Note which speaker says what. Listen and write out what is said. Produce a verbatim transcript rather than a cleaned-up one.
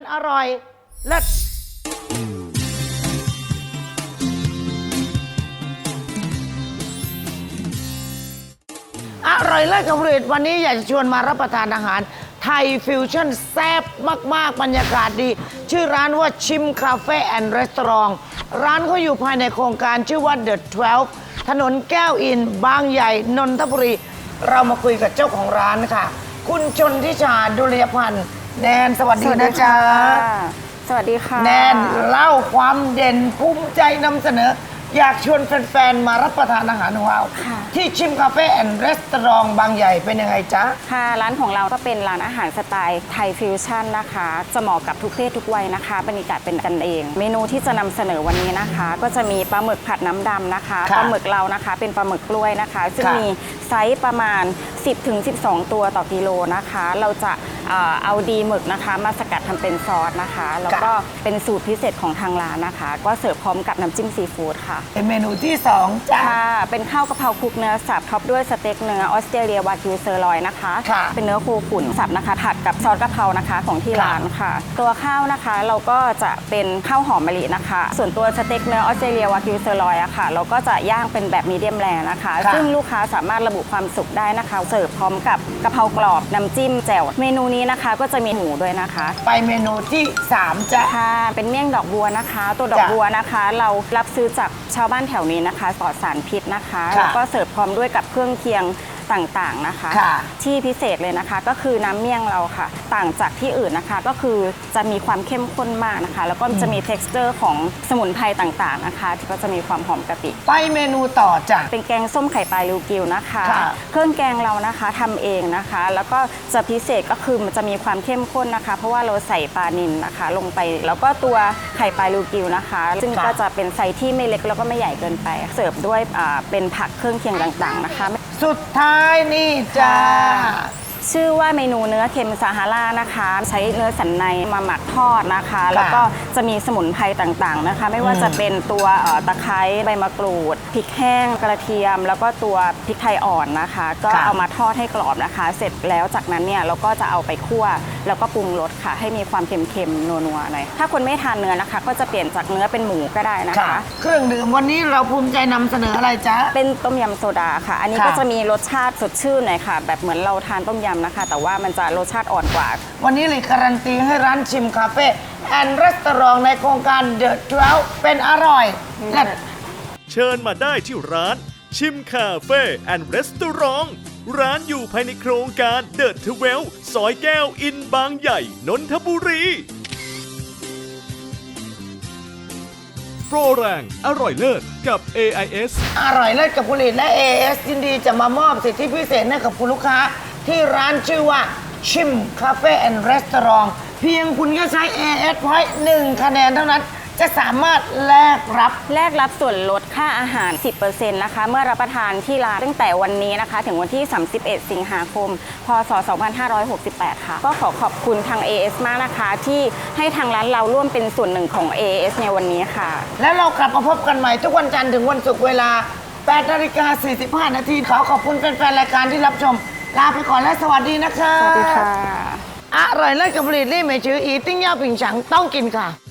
Speaker 1: อร่อยเลิศอร่อยเลิศกับผลิตวันนี้อยากจะชวนมารับประทานอาหารไทยฟิวชั่นแซ่บมากๆบรรยากาศดีชื่อร้านว่าชิมคาเฟ่แอนด์รีสอร์ทร้านเขาอยู่ภายในโครงการชื่อว่าเดอะทเวลฟ์ถนนแก้วอินบางใหญ่นนทบุรีเรามาคุยกับเจ้าของร้านค่ะคุณชนทิชาดุลยพันธ์แนนสวัสดีนะจ๊ะ
Speaker 2: สวัสดีค่ะ
Speaker 1: แนนเล่าความเด่นภูมิใจนำเสนออยากชวนแฟนๆมารับประทานอาหารของเราที่ชิมคาเฟ่แอนด์รีสอร์ทบางใหญ่เป็นยังไงจ๊ะ
Speaker 2: ค่ะร้านของเราก็เป็นร้านอาหารสไตล์ไทยฟิวชั่นนะคะจะเหมาะกับทุกเพศทุกวัยนะคะบรรยากาศเป็นกันเอง เมนูที่จะนำเสนอวันนี้นะคะก็จะมีปลาหมึกผัดน้ำดำนะคะปลาหมึกเรานะคะเป็นปลาหมึกกล้วยนะคะซึ่งมีไซส์ประมาณ สิบถึงสิบสอง ตัวต่อกิโลนะคะเราจะเอาดีหมึกนะคะมาสกัดทำเป็นซอสนะคะแล้วก็เป็นสูตรพิเศษของทางร้านนะคะก็เสิร์ฟพร้อมกับน้ำจิ้มซีฟู้ดค่ะ
Speaker 1: เป็นเมนูที่สองจ้ะ
Speaker 2: เป็นข้าวกะเพราคลุกเนื้อสับท็อปด้วยสเต็กเนื้อออสเตรเลียวากิวเซอร์ลอยนะคะเป็นเนื้อโคขุนสับนะคะผัดกับซอสกะเพรานะคะของที่ร้านค่ะตัวข้าวนะคะเราก็จะเป็นข้าวหอมมะลินะคะส่วนตัวสเต็กเนื้อออสเตรเลียวากิวเซอร์ลอยอะค่ะเราก็จะย่างเป็นแบบมีเดียมแรร์นะคะซึ่งลูกค้าสามารถระบุความสุกได้นะคะเสิร์ฟพร้อมกับกะเพรากรอบน้ำจิ้มแจ่วเมนูนี้นะคะก็จะมีหมูด้วยนะคะ
Speaker 1: ไปเมนูที่สามจ้ะ
Speaker 2: ค่ะเป็นเมี่ยงดอกบัวนะคะตัวดอกบัวนะคะเรารับซื้อจากชาวบ้านแถวนี้นะคะปลอดสารพิษนะคะแล้วก็เสิร์ฟพร้อมด้วยกับเครื่องเคียงต่างๆนะคะที่พิเศษเลยนะคะก็คือน้ำเมี่ยงเราค่ะต่างจากที่อื่นนะคะก็คือจะมีความเข้มข้นมากนะคะแล้วก็จะมี texture ของสมุนไพรต่างๆนะคะที่ก็จะมีความหอมกะปิ
Speaker 1: ไปเมนูต่อจ้ะ
Speaker 2: เป็นแกงส้มไข่ปลาริวกิวนะคะเครื่องแกงเรานะคะทำเองนะคะแล้วก็จะพิเศษก็คือมันจะมีความเข้มข้นนะคะเพราะว่าเราใส่ปลานิลนะคะลงไปแล้วก็ตัวไข่ปลาริวกิวนะคะซึ่งก็จะเป็นไซส์ที่ไม่เล็กแล้วก็ไม่ใหญ่เกินไปเสิร์ฟด้วยเป็นผักเครื่องเคียงต่างๆนะคะ
Speaker 1: สุดท้ายนี่จ้า
Speaker 2: ชื่อว่าเมนูเนื้อเค็มซาฮารานะคะใช้เนื้อสันในมาหมักทอดนะคะแล้วก็จะมีสมุนไพรต่างๆนะคะไม่ว่าจะเป็นตัวตะไคร้ใบมะกรูดพริกแห้งกระเทียมแล้วก็ตัวพริกไทยอ่อนนะคะก็เอามาทอดให้กรอบนะคะเสร็จแล้วจากนั้นเนี่ยเราก็จะเอาไปคั่วแล้วก็ปรุงรสค่ะให้มีความเค็มๆนัวๆหน่อยถ้าคนไม่ทานเนื้อนะคะก็จะเปลี่ยนจากเนื้อเป็นหมูก็ได้นะคะ
Speaker 1: เครื่องดื่มวันนี้เราภูมิใจนำเสนออะไรจ๊ะ
Speaker 2: เป็นต้มยำโซดาค่ะอันนี้ก็จะมีรสชาติสดชื่นหน่อยค่ะแบบเหมือนเราทานต้มยำนะคะแต่ว่ามันจะรสชาติอ่อนกว่า
Speaker 1: วันนี้เลยการันตีให้ร้านชิมคาเฟ่แอนด์รีสอร์ทในโครงการเดอะทเวลฟ์เป็นอร่อย
Speaker 3: เชิญมาได้ที่ร้านชิมคาเฟ่แอนด์รีสอร์ทร้านอยู่ภายในโครงการเดอะทเวลฟ์ซอยแก้วอินบางใหญ่นนทบุรีโปรแรงอร่อยเลิศกับ เอ ไอ เอส
Speaker 1: อร่อยเลิศกับผลิตและ เอ ไอ เอส ยินดีจะมามอบสิทธิพิเศษให้กับคุณลูกค้าที่ร้านชื่อว่าชิมคาเฟ่แอนด์รีสอร์ทเพียงคุณก็ใช้ เอ เอส ไว้หนึ่งคะแนนเท่านั้นจะสามารถแลกรับ
Speaker 2: แลกรับส่วนลดค่าอาหาร สิบเปอร์เซ็นต์ นะคะเมื่อรับประทานที่ร้านตั้งแต่วันนี้นะคะถึงวันที่ สามสิบเอ็ด สิงหาคม พ.ศ. สองพันห้าร้อยหกสิบแปด ค่ะก็ขอขอบคุณทาง เอ เอส มากนะคะที่ให้ทางร้านเราร่วมเป็นส่วนหนึ่งของ เอ เอส ในวันนี้ค่ะ
Speaker 1: แล้วเรากลับมาพบกันใหม่ทุกวันจันทร์ถึงวันศุกร์เวลา แปดนาฬิกาสี่สิบห้า นาทีขอขอบคุณแฟนๆรายการที่รับชมลาไปก่อนและสวัสดีนะคะ
Speaker 2: สวัสดีค่ะ
Speaker 1: อร่อยเลิศกับผลิตรี่ไม่ชื่ออีติ้งย่าปิ่งฉังต้องกินค่ะ